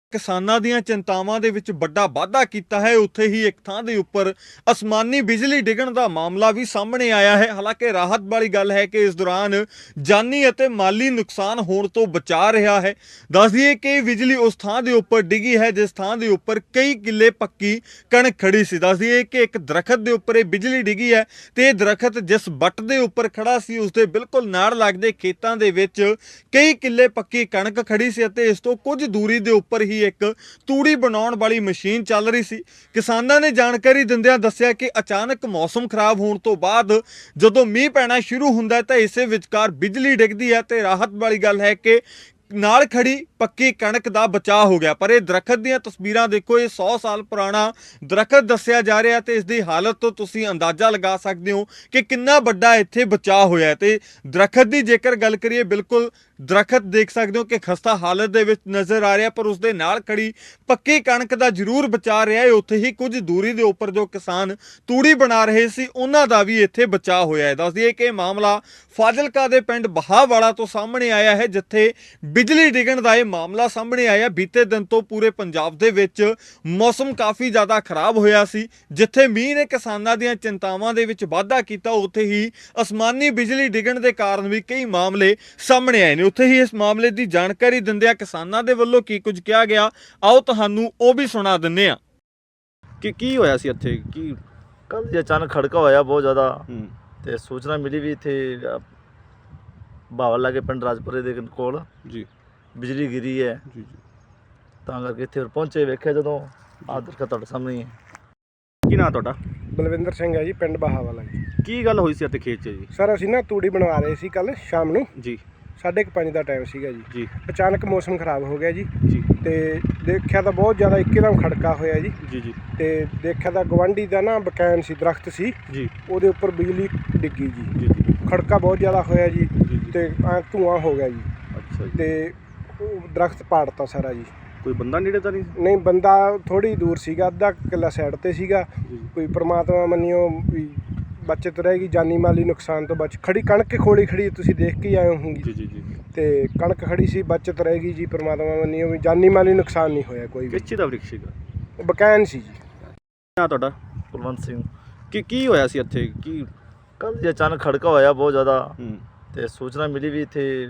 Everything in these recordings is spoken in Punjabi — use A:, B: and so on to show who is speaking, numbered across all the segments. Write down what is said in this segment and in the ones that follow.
A: ਕਿਸਾਨਾਂ ਦੀਆਂ ਚਿੰਤਾਵਾਂ ਦੇ ਵਿੱਚ ਵੱਡਾ ਵਾਧਾ ਕੀਤਾ ਹੈ। ਉੱਥੇ ਹੀ ਇੱਕ ਥਾਂ ਦੇ ਉੱਪਰ ਅਸਮਾਨੀ ਬਿਜਲੀ ਡਿੱਗਣ ਦਾ ਮਾਮਲਾ ਵੀ ਸਾਹਮਣੇ ਆਇਆ ਹੈ। ਹਾਲਾਂਕਿ ਰਾਹਤ ਵਾਲੀ ਗੱਲ ਹੈ ਕਿ ਇਸ ਦੌਰਾਨ ਜਾਨੀ ਅਤੇ ਮਾਲੀ ਨੁਕਸਾਨ ਹੋਣ ਤੋਂ ਬਚਾ ਰਿਹਾ ਹੈ। ਦੱਸ ਦਈਏ ਕਿ ਬਿਜਲੀ ਉਸ ਥਾਂ ਦੇ ਉੱਪਰ ਡਿੱਗੀ ਹੈ ਜਿਸ ਥਾਂ ਦੇ ਉੱਪਰ ਕਈ ਕਿੱਲੇ ਪੱਕੀ ਕਣਕ ਖੜੀ ਸੀ। ਦੱਸ ਦਈਏ ਕਿ ਇੱਕ ਦਰਖਤ ਦੇ ਉੱਪਰ ਇਹ ਬਿਜਲੀ ਡਿੱਗੀ ਹੈ ਤੇ ਇਹ ਦਰਖਤ ਜਿਸ ਵੱਟ ਦੇ ਉੱਪਰ ਖੜਾ ਸੀ ਉਸ ਦੇ ਬਿਲਕੁਲ ਨਾਲ ਲੱਗਦੇ ਖੇਤਾਂ ਦੇ ਵਿੱਚ ਕਈ ਕਿੱਲੇ ਪੱਕੀ ਕਣਕ ਖੜੀ ਸੀ ਅਤੇ ਇਸ ਤੋਂ ਕੁਝ ਦੂਰੀ ਦੇ ਉੱਪਰ ਹੀ ਇੱਕ ਤੂੜੀ ਬਣਾਉਣ ਵਾਲੀ ਮਸ਼ੀਨ ਚੱਲ ਰਹੀ ਸੀ। ਕਿਸਾਨਾਂ ਨੇ ਜਾਣਕਾਰੀ ਦਿੰਦਿਆਂ ਦੱਸਿਆ ਕਿ ਅਚਾਨਕ ਮੌਸਮ ਖਰਾਬ ਹੋਣ ਤੋਂ ਬਾਅਦ ਜਦੋਂ ਮੀਂਹ ਪੈਣਾ ਸ਼ੁਰੂ ਹੁੰਦਾ ਤਾਂ ਇਸੇ ਵਿਚਕਾਰ ਬਿਜਲੀ ਡਿੱਗਦੀ ਹੈ ਤੇ ਰਾਹਤ ਵਾਲੀ ਗੱਲ ਹੈ ਕਿ ਨਾਲ ਖੜੀ ਪੱਕੀ ਕਣਕ ਦਾ ਬਚਾਅ ਹੋ ਗਿਆ। ਪਰ ਇਹ ਦਰਖਤ ਦੀਆਂ ਤਸਵੀਰਾਂ ਦੇਖੋ, ਇਹ 100 ਸਾਲ ਪੁਰਾਣਾ ਦਰਖਤ ਦੱਸਿਆ ਜਾ ਰਿਹਾ ਤੇ ਇਸ ਦੀ ਹਾਲਤ ਤੋਂ ਤੁਸੀਂ ਅੰਦਾਜ਼ਾ ਲਗਾ ਸਕਦੇ ਹੋ ਕਿ ਕਿੰਨਾ ਵੱਡਾ ਇੱਥੇ ਬਚਾਅ ਹੋਇਆ। ਤੇ ਦਰਖਤ ਦੀ ਜੇਕਰ ਗੱਲ ਕਰੀਏ, ਬਿਲਕੁਲ ਦਰਖਤ ਦੇਖ ਸਕਦੇ ਹੋ ਕਿ ਖਸਤਾ ਹਾਲਤ ਦੇ ਵਿੱਚ ਨਜ਼ਰ ਆ ਰਿਹਾ, ਪਰ ਉਸ ਦੇ ਨਾਲ ਖੜੀ ਪੱਕੀ ਕਣਕ ਦਾ ਜ਼ਰੂਰ ਬਚਾਅ ਰਿਹਾ ਹੈ। ਉੱਥੇ ਹੀ ਕੁਝ ਦੂਰੀ ਦੇ ਉੱਪਰ ਜੋ ਕਿਸਾਨ ਤੂੜੀ ਬਣਾ ਰਹੇ ਸੀ ਉਹਨਾਂ ਦਾ ਵੀ ਇੱਥੇ ਬਚਾਅ ਹੋਇਆ ਹੈ। ਦੱਸ ਦਈਏ ਕਿ ਇਹ ਮਾਮਲਾ ਫਾਜ਼ਿਲਕਾ ਦੇ ਪਿੰਡ ਬਹਾਵਾਲਾ ਤੋਂ ਸਾਹਮਣੇ ਆਇਆ ਹੈ ਜਿੱਥੇ ਬਿਜਲੀ ਡਿੱਗਣ ਦਾ ਇਹ ਮਾਮਲਾ ਸਾਹਮਣੇ ਆਇਆ। ਬੀਤੇ ਦਿਨ ਤੋਂ ਪੂਰੇ ਪੰਜਾਬ ਦੇ ਵਿੱਚ ਮੌਸਮ ਕਾਫੀ ਜ਼ਿਆਦਾ ਖਰਾਬ ਹੋਇਆ ਸੀ। ਜਿੱਥੇ ਮੀਂਹ ਨੇ ਕਿਸਾਨਾਂ ਦੀਆਂ ਚਿੰਤਾਵਾਂ ਦੇ ਵਿੱਚ ਵਾਧਾ ਕੀਤਾ, ਉੱਥੇ ਹੀ ਅਸਮਾਨੀ ਬਿਜਲੀ ਡਿੱਗਣ ਦੇ ਕਾਰਨ ਵੀ ਕਈ ਮਾਮਲੇ ਸਾਹਮਣੇ ਆਏ ਨੇ। ਉੱਥੇ ਹੀ ਇਸ ਮਾਮਲੇ ਦੀ ਜਾਣਕਾਰੀ ਦਿੰਦਿਆਂ ਕਿਸਾਨਾਂ ਦੇ ਵੱਲੋਂ ਕੀ ਕੁਝ ਕਿਹਾ ਗਿਆ, ਆਓ ਤੁਹਾਨੂੰ ਉਹ ਵੀ ਸੁਣਾ ਦਿੰਦੇ ਆ ਕਿ ਕੀ ਹੋਇਆ ਸੀ ਇੱਥੇ। ਕੀ
B: ਕੱਲ ਜੀ ਅਚਾਨਕ ਖੜਕਾ ਹੋਇਆ ਬਹੁਤ ਜ਼ਿਆਦਾ ਤੇ ਸੂਚਨਾ ਮਿਲੀ ਵੀ ਇੱਥੇ ਬਾਵਲ ਲਾਗੇ ਪਿੰਡ ਰਾਜਪੁਰੇ ਦੇ ਕੋਲ
A: ਜੀ
B: ਬਿਜਲੀ ਗਿਰੀ ਹੈ
A: ਜੀ
B: ਤਾਂ ਕਰਕੇ ਇੱਥੇ ਪਹੁੰਚੇ, ਵੇਖਿਆ ਜਦੋਂ ਆਹ ਦਰਖਤ ਤੁਹਾਡੇ ਸਾਹਮਣੇ ਹੀ ਹੈ।
A: ਕੀ ਨਾਂ ਤੁਹਾਡਾ?
C: ਬਲਵਿੰਦਰ ਸਿੰਘ ਹੈ ਜੀ, ਪਿੰਡ ਬਹਾਵਾਲਾ ਜੀ।
A: ਕੀ ਗੱਲ ਹੋਈ ਸੀ ਇੱਥੇ ਖੇਤ 'ਚ ਜੀ?
C: ਸਰ ਅਸੀਂ ਨਾ ਤੂੜੀ ਬਣਵਾ ਰਹੇ ਸੀ ਕੱਲ ਸ਼ਾਮ ਨੂੰ,
A: ਜੀ
C: 5:30 ਦਾ ਟਾਈਮ ਸੀਗਾ ਜੀ।
A: ਜੀ
C: ਅਚਾਨਕ ਮੌਸਮ ਖਰਾਬ ਹੋ ਗਿਆ ਜੀ
A: ਜੀ
C: ਤੇ ਦੇਖਿਆ ਤਾਂ ਬਹੁਤ ਜ਼ਿਆਦਾ ਇੱਕਦਮ ਖੜਕਾ ਹੋਇਆ ਜੀ।
A: ਜੀ ਜੀ
C: ਤੇ ਦੇਖਿਆ ਤਾਂ ਗਵਾਂਢੀ ਦਾ ਨਾ ਬਕੈਨ ਸੀ, ਦਰਖਤ ਸੀ
A: ਜੀ
C: ਉਹਦੇ ਉੱਪਰ ਬਿਜਲੀ ਡਿੱਗੀ ਜੀ।
A: ਜੀ ਜੀ
C: ਖੜਕਾ ਬਹੁਤ ਜ਼ਿਆਦਾ ਹੋਇਆ ਜੀ
A: ਜੀ
C: ਤੇ ਐਂ ਧੂਆਂ ਹੋ ਗਿਆ ਜੀ
A: ਅੱਛਾ ਜੀ।
C: ਤੇ ਉਹ ਦਰਖਤ ਪਾੜਤਾ ਸਾਰਾ ਜੀ।
A: ਕੋਈ ਬੰਦਾ ਨੇੜੇ ਤਾਂ ਨਹੀਂ?
C: ਨਹੀਂ, ਬੰਦਾ ਥੋੜੀ ਦੂਰ ਸੀਗਾ, ਅੱਧਾ ਕਿੱਲਾ ਸਾਈਡ ਤੇ ਸੀਗਾ।
A: ਜੀ
C: ਕੋਈ ਪ੍ਰਮਾਤਮਾ ਮੰਨਿਓ ਵੀ ਬਚਤ ਰਹੇਗੀ, ਜਾਨੀ ਮਾਲੀ ਨੁਕਸਾਨ ਤੋਂ ਬਚ। ਖੜੀ ਕਣਕ ਖੋਲੀ ਖੜੀ ਤੁਸੀਂ ਦੇਖ ਕੇ ਆਏ ਹੋਗੇ
A: ਜੀ ਜੀ ਜੀ
C: ਤੇ ਕਣਕ ਖੜੀ ਸੀ, ਬਚਤ ਰਹੇਗੀ ਜੀ, ਪ੍ਰਮਾਤਮਾ ਮੰਨਿਓ ਵੀ ਜਾਨੀ ਮਾਲੀ ਨੁਕਸਾਨ ਨਹੀਂ ਹੋਇਆ ਕੋਈ ਵੀ।
A: ਕਿਸ ਚੀਜ਼ ਦਾ ਵ੍ਰਿਕਸ਼ ਸੀਗਾ?
C: ਬਕੈਨ ਸੀ ਜੀ।
A: ਨਾਂ ਤੁਹਾਡਾ?
B: ਕੁਲਵੰਤ ਸਿੰਘ।
A: ਕੀ ਹੋਇਆ ਸੀ ਇੱਥੇ? ਕੀ
B: ਕੱਲ ਜੀ ਅਚਾਨਕ ਖੜਕਾ ਹੋਇਆ ਬਹੁਤ ਜ਼ਿਆਦਾ ਤੇ ਸੂਚਨਾ ਮਿਲੀ ਵੀ ਇੱਥੇ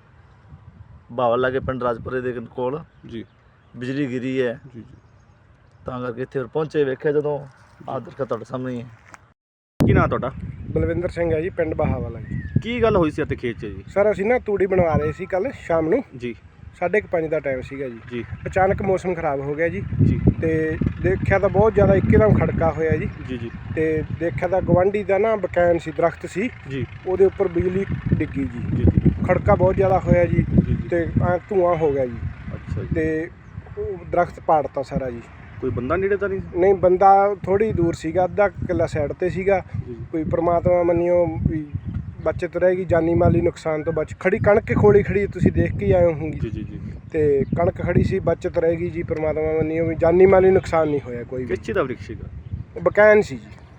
B: ਬਾਵਲ ਲਾਗੇ ਪਿੰਡ ਰਾਜਪੁਰੇ ਦੇ ਕੋਲ
A: ਜੀ
B: ਬਿਜਲੀ ਗਿਰੀ ਹੈ
A: ਜੀ
B: ਤਾਂ ਕਰਕੇ ਇੱਥੇ ਪਹੁੰਚੇ, ਵੇਖਿਆ ਜਦੋਂ ਆਹ ਦਰਖਤ ਤੁਹਾਡੇ ਸਾਹਮਣੇ ਹੀ ਹੈ।
A: ਕੀ ਨਾਂ ਤੁਹਾਡਾ?
C: ਬਲਵਿੰਦਰ ਸਿੰਘ ਹੈ ਜੀ, ਪਿੰਡ ਬਹਾਵਾਲਾ ਜੀ।
A: ਕੀ ਗੱਲ ਹੋਈ ਸੀ ਇੱਥੇ ਖੇਤ 'ਚ ਜੀ?
C: ਸਰ ਅਸੀਂ ਨਾ ਤੂੜੀ ਬਣਵਾ ਰਹੇ ਸੀ ਕੱਲ ਸ਼ਾਮ ਨੂੰ,
A: ਜੀ
C: 5:30 ਦਾ ਟਾਈਮ ਸੀਗਾ ਜੀ।
A: ਜੀ
C: ਅਚਾਨਕ ਮੌਸਮ ਖਰਾਬ ਹੋ ਗਿਆ ਜੀ
A: ਜੀ
C: ਤੇ ਦੇਖਿਆ ਤਾਂ ਬਹੁਤ ਜ਼ਿਆਦਾ ਇੱਕਦਮ ਖੜਕਾ ਹੋਇਆ ਜੀ।
A: ਜੀ ਜੀ
C: ਤੇ ਦੇਖਿਆ ਤਾਂ ਗਵਾਂਢੀ ਦਾ ਨਾ ਬਕੈਨ ਸੀ, ਦਰਖਤ ਸੀ
A: ਜੀ
C: ਉਹਦੇ ਉੱਪਰ ਬਿਜਲੀ ਡਿੱਗੀ ਜੀ।
A: ਜੀ ਜੀ
C: ਖੜਕਾ ਬਹੁਤ ਜ਼ਿਆਦਾ ਹੋਇਆ ਜੀ
A: ਜੀ
C: ਤੇ ਐਂ ਧੂਆਂ ਹੋ ਗਿਆ ਜੀ
A: ਅੱਛਾ ਜੀ।
C: ਤੇ ਉਹ ਦਰਖਤ ਪਾੜਤਾ ਸਾਰਾ ਜੀ।
A: ਕੋਈ ਬੰਦਾ ਨੇੜੇ ਤਾਂ ਨਹੀਂ?
C: ਨਹੀਂ, ਬੰਦਾ ਥੋੜੀ ਦੂਰ ਸੀਗਾ, ਅੱਧਾ ਕਿੱਲਾ ਸਾਈਡ ਤੇ ਸੀਗਾ।
A: ਜੀ
C: ਕੋਈ ਪ੍ਰਮਾਤਮਾ ਮੰਨਿਓ ਵੀ ਬਚਤ ਰਹੇਗੀ, ਜਾਨੀ ਮਾਲੀ ਨੁਕਸਾਨ ਤੋਂ ਬਚ। ਖੜੀ ਕਣਕ ਖੋਲੀ ਖੜੀ ਤੁਸੀਂ ਦੇਖ ਕੇ ਆਏ ਹੋਗੇ
A: ਜੀ ਜੀ ਜੀ
C: ਤੇ ਕਣਕ ਖੜੀ ਸੀ, ਬਚਤ ਰਹੇਗੀ ਜੀ, ਪ੍ਰਮਾਤਮਾ ਮੰਨਿਓ ਵੀ ਜਾਨੀ ਮਾਲੀ ਨੁਕਸਾਨ ਨਹੀਂ ਹੋਇਆ ਕੋਈ ਵੀ।
A: ਕਿਸ ਚੀਜ਼ ਦਾ ਵ੍ਰਿਕਸ਼ ਸੀਗਾ?
C: ਬਕੈਨ ਸੀ ਜੀ।